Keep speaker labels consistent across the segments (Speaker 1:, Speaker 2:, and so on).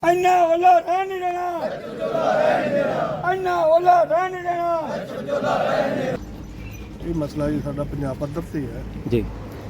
Speaker 1: अन्ना ओला रहने नहीं देना, अन्ना ओला रहने नहीं देना।
Speaker 2: ਇਹ ਮਸਲਾ ਜੀ ਸਾਡਾ ਪੰਜਾਬ ਪੱਧਰ ਤੇ ਹੈ
Speaker 3: ਜੀ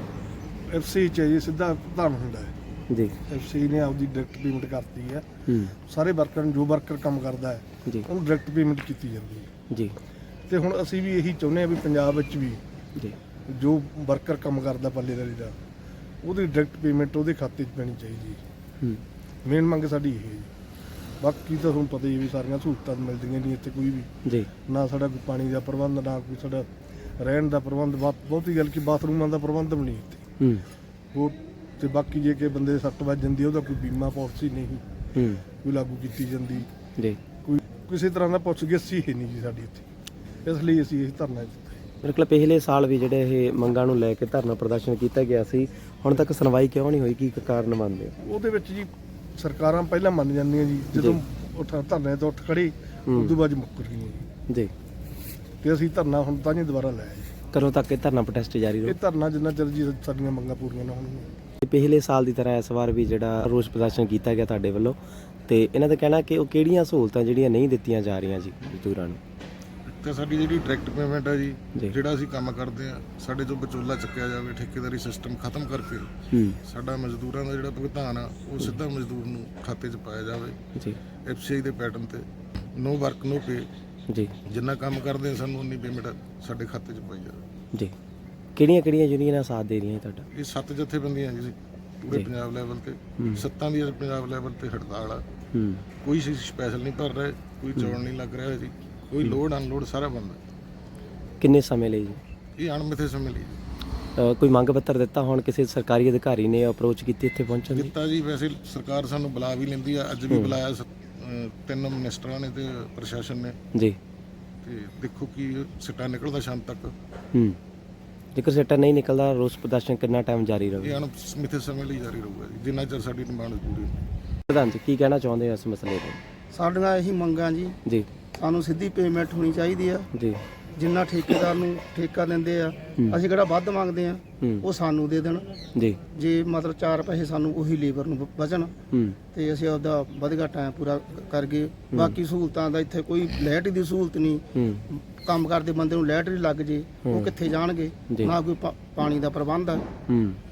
Speaker 2: ਐਫਸੀ ਚ ਜੀ ਸਿੱਧਾ ਪ੍ਰਧਾਨ ਹੁੰਦਾ ਹੈ
Speaker 3: ਜੀ
Speaker 2: ਐਫਸੀ ਨੇ ਆਪਦੀ ਡਾਇਰੈਕਟ ਪੇਮੈਂਟ ਕਰਤੀ ਹੈ ਸਾਰੇ ਵਰਕਰ ਨੂੰ ਜੋ ਵਰਕਰ ਕੰਮ ਕਰਦਾ ਹੈ
Speaker 3: ਜੀ
Speaker 2: ਉਹਨੂੰ ਡਾਇਰੈਕਟ ਪੇਮੈਂਟ ਕੀਤੀ ਜਾਂਦੀ ਹੈ
Speaker 3: ਜੀ
Speaker 2: ਤੇ ਹੁਣ ਅਸੀਂ ਵੀ ਇਹੀ ਚਾਹੁੰਦੇ ਹਾਂ ਵੀ ਪੰਜਾਬ ਵਿੱਚ ਵੀ
Speaker 3: ਜੀ
Speaker 2: ਜੋ ਵਰਕਰ ਕੰਮ ਕਰਦਾ ਪੱਲੇਦਾਰੀ ਦਾ ਉਹਦੀ ਡਾਇਰੈਕਟ ਪੇਮੈਂਟ ਉਹਦੇ ਖਾਤੇ 'ਚ ਪੈਣੀ ਚਾਹੀਦੀ ਹੈ ਮੇਨ ਮੰਗ ਸਾਡੀ ਇਹ ਹੈ ਜੀ ਬਾਕੀ ਤਾਂ ਤੁਹਾਨੂੰ ਪਤਾ ਹੀ ਹੈ ਵੀ ਸਾਰੀਆਂ ਸਹੂਲਤਾਂ ਮਿਲਦੀਆਂ ਨਹੀਂ ਇੱਥੇ ਕੋਈ ਵੀ
Speaker 3: ਜੀ
Speaker 2: ਨਾ ਸਾਡਾ ਕੋਈ ਪਾਣੀ ਦਾ ਪ੍ਰਬੰਧ ਨਾ ਕੋਈ ਸਾਡਾ ਰਹਿਣ ਦਾ ਪ੍ਰਬੰਧ ਬਹੁਤੀ ਗੱਲ ਕਿ ਬਾਥਰੂਮਾਂ ਦਾ ਪ੍ਰਬੰਧ ਵੀ ਨਹੀਂ ਇੱਥੇ ਉਹ ਤੇ ਬਾਕੀ ਜੇ ਕਿ ਬੰਦੇ ਸੱਟ ਵੱਜ ਜਾਂਦੀ ਉਹਦਾ ਕੋਈ ਬੀਮਾ ਪਾਲਿਸੀ ਨਹੀਂ ਕੋਈ ਲਾਗੂ ਕੀਤੀ ਜਾਂਦੀ
Speaker 3: ਜੀ
Speaker 2: ਕੋਈ ਕਿਸੇ ਤਰ੍ਹਾਂ ਦਾ ਪੁੱਛ-ਗਿੱਛ ਹੀ ਨਹੀਂ ਜੀ ਸਾਡੀ ਇੱਥੇ ਇਸ ਲਈ ਅਸੀਂ ਇਹ ਧਰਨਾ ਦਿੱਤਾ
Speaker 3: ਮੇਰੇ ਕੋਲ ਪਿਛਲੇ ਸਾਲ ਵੀ ਜਿਹੜੇ ਇਹ ਮੰਗਾਂ ਨੂੰ ਲੈ ਕੇ ਧਰਨਾ ਪ੍ਰਦਰਸ਼ਨ ਕੀਤਾ ਗਿਆ ਸੀ ਹੁਣ ਤੱਕ ਸੁਣਵਾਈ ਕਿਉਂ ਨਹੀਂ ਹੋਈ ਕੀ ਕਾਰਨ ਮੰਨਦੇ ਹੋ
Speaker 2: ਉਹਦੇ ਵਿੱਚ ਜੀ ਸਰਕਾਰਾਂ ਪਹਿਲਾਂ ਮੰਨ ਜਾਂਦੀਆਂ ਜੀ ਜਦੋਂ ਧਰਨੇ ਤੋਂ ਉੱਠ ਖੜੀ ਉਸ ਤੋਂ ਬਾਅਦ ਮੁੱਕਰ ਗਈਆਂ
Speaker 3: ਜੀ
Speaker 2: ਤੇ ਅਸੀਂ ਧਰਨਾ ਹੁਣ ਤਾਂ ਜੀ ਦੁਬਾਰਾ ਲਾਇਆ ਜੀ
Speaker 3: ਕਦੋਂ ਤੱਕ ਇਹ ਧਰਨਾ ਪ੍ਰੋਟੈਸਟ ਜਾਰੀ
Speaker 2: ਇਹ
Speaker 3: ਰਹੂ
Speaker 2: ਧਰਨਾ ਜਿੰਨਾ ਚਿਰ ਜੀ ਸਾਡੀਆਂ ਮੰਗਾਂ ਪੂਰੀਆਂ ਨਾ ਹੋਣਗੀਆਂ
Speaker 3: ਪਿਛਲੇ ਸਾਲ ਦੀ ਤਰ੍ਹਾਂ ਇਸ ਵਾਰ ਵੀ ਜਿਹੜਾ ਰੋਸ ਪ੍ਰਦਰਸ਼ਨ ਕੀਤਾ ਗਿਆ ਤੁਹਾਡੇ ਵੱਲੋਂ ਤੇ ਇਹਨਾਂ ਦਾ ਕਹਿਣਾ ਕਿ ਉਹ ਕਿਹੜੀਆਂ ਸਹੂਲਤਾਂ ਜਿਹੜੀਆਂ ਨਹੀਂ ਦਿੱਤੀਆਂ ਜਾ ਰਹੀਆਂ ਜੀ ਮਜ਼ਦੂਰਾਂ ਨੂੰ
Speaker 4: ਤੇ ਸਾਡੀ ਜਿਹੜੀ ਡਾਇਰੈਕਟ ਪੇਮੈਂਟ ਹੈ ਜੀ
Speaker 3: ਜੀ।
Speaker 4: ਜਿਹੜਾ ਅਸੀਂ ਕੰਮ ਕਰਦੇ ਆ ਸਾਡੇ ਤੋਂ ਵਿਚੋਲਾ ਚੱਕਿਆ ਜਾਵੇ ਠੇਕੇਦਾਰੀ ਸਿਸਟਮ ਖਤਮ ਕਰਕੇ ਸਾਡਾ ਮਜ਼ਦੂਰਾਂ ਦਾ ਜਿਹੜਾ ਭੁਗਤਾਨ ਆ ਉਹ ਸਿੱਧਾ ਮਜ਼ਦੂਰ ਨੂੰ ਖਾਤੇ 'ਚ ਪਾਇਆ ਜਾਵੇ
Speaker 3: ਜੀ
Speaker 4: ਐਫਸੀਆਈ ਦੇ ਪੈਟਰਨ ਤੇ ਨੋ ਵਰਕ ਨੋ ਪੇ
Speaker 3: ਜੀ
Speaker 4: ਜਿੰਨਾ ਕੰਮ ਕਰਦੇ ਆ ਸਾਨੂੰ ਉਨੀ ਪੇਮੈਂਟ ਸਾਡੇ ਖਾਤੇ 'ਚ ਪਾਈ ਜਾਵੇ
Speaker 3: ਜੀ ਕਿਹੜੀਆਂ ਯੂਨੀਅਨਾਂ ਸਾਥ ਦੇ ਰਹੀਆਂ ਤੁਹਾਡਾ
Speaker 4: ਇਹ 7 ਜਥੇਬੰਦੀਆਂ ਜੀ ਪੂਰੇ ਪੰਜਾਬ ਲੈਵਲ ਤੇ 7 ਦੀ ਪੰਜਾਬ ਲੈਵਲ ਤੇ ਹੜਤਾਲ ਆ ਕੋਈ ਸਪੈਸ਼ਲ ਨਹੀਂ ਭਰ ਰਹੇ ਕੋਈ ਚੌੜ ਨਹੀਂ ਲੱਗ ਰਿਹਾ ਜੀ ਕੋਈ ਲੋਡ ਅਨਲੋਡ ਸਾਰਾ ਬੰਦ ਹੈ
Speaker 3: ਕਿੰਨੇ ਸਮੇਂ ਲਈ ਜੀ
Speaker 4: ਇਹ ਅਣਮਿੱਥੇ ਸਮੇਂ ਲਈ
Speaker 3: ਕੋਈ ਮੰਗ ਪੱਤਰ ਦਿੱਤਾ ਹੁਣ ਕਿਸੇ ਸਰਕਾਰੀ ਅਧਿਕਾਰੀ ਨੇ ਅਪਰੋਚ ਕੀਤੀ ਇੱਥੇ ਪਹੁੰਚਣ ਦੀ
Speaker 4: ਦਿੱਤਾ ਜੀ ਵੈਸੇ ਸਰਕਾਰ ਸਾਨੂੰ ਬੁਲਾ ਵੀ ਲੈਂਦੀ ਆ ਅੱਜ ਵੀ ਬੁਲਾਇਆ 3 ਮਿਨਿਸਟਰਾਂ ਨੇ ਤੇ ਪ੍ਰਸ਼ਾਸਨ ਨੇ
Speaker 3: ਜੀ
Speaker 4: ਤੇ ਦੇਖੋ ਕੀ ਸਿੱਟਾ ਨਿਕਲਦਾ ਸ਼ਾਮ ਤੱਕ
Speaker 3: ਜੇਕਰ ਸਿੱਟਾ ਨਹੀਂ ਨਿਕਲਦਾ ਰੋਸ ਪ੍ਰਦਰਸ਼ਨ ਕਿੰਨਾ ਟਾਈਮ ਜਾਰੀ
Speaker 4: ਇਹ
Speaker 3: ਰਹੇਗਾ
Speaker 4: ਅਣਮਿੱਥੇ ਸਮੇਂ ਲਈ ਜਾਰੀ ਰਹੂਗਾ ਜੀ ਜਿੰਨਾ ਚਿਰ ਸਾਡੀ ਡਿਮਾਂਡ ਪੂਰੀ ਹੋਵੇ।
Speaker 3: ਪ੍ਰਧਾਨ ਜੀ ਕੀ ਕਹਿਣਾ ਚਾਹੁੰਦੇ ਹੋ ਇਸ ਮਸਲੇ ਤੇ
Speaker 1: ਸਾਡੀਆਂ ਇਹੀ ਮੰਗਾਂ ਜੀ
Speaker 3: ਜੀ
Speaker 1: ਸਾਨੂੰ ਸਿੱਧੀ ਪੇਮੈਂਟ ਹੋਣੀ ਚਾਹੀਦੀ ਆ
Speaker 3: ਜੀ
Speaker 1: ਜਿੰਨਾ ਠੇਕੇਦਾਰ ਨੂੰ ਠੇਕਾ ਦਿੰਦੇ ਆ ਅਸੀਂ ਕਿਹੜਾ ਵੱਧ ਮੰਗਦੇ ਆ ਉਹ ਸਾਨੂੰ ਦੇ ਦੇਣ
Speaker 3: ਜੀ
Speaker 1: ਜੇ ਮਤਲਬ 4 ਪੈਸੇ ਸਾਨੂੰ ਉਹੀ ਲੇਬਰ ਨੂੰ ਬਚਣ ਤੇ ਅਸੀਂ ਆਪਦਾ ਵਧਗਾ ਟਾਈਮ ਪੂਰਾ ਕਰ ਗਏ ਬਾਕੀ ਸਹੂਲਤਾਂ ਦਾ ਇੱਥੇ ਕੋਈ ਲਾਈਟ ਦੀ ਸਹੂਲਤ ਨਹੀਂ ਕੰਮ ਕਰਦੇ ਬੰਦੇ ਨੂੰ ਲਾਈਟ ਵੀ ਲੱਗ ਜੇ ਉਹ ਕਿੱਥੇ ਜਾਣਗੇ ਨਾ ਕੋਈ ਪਾਣੀ ਦਾ ਪ੍ਰਬੰਧ ਆ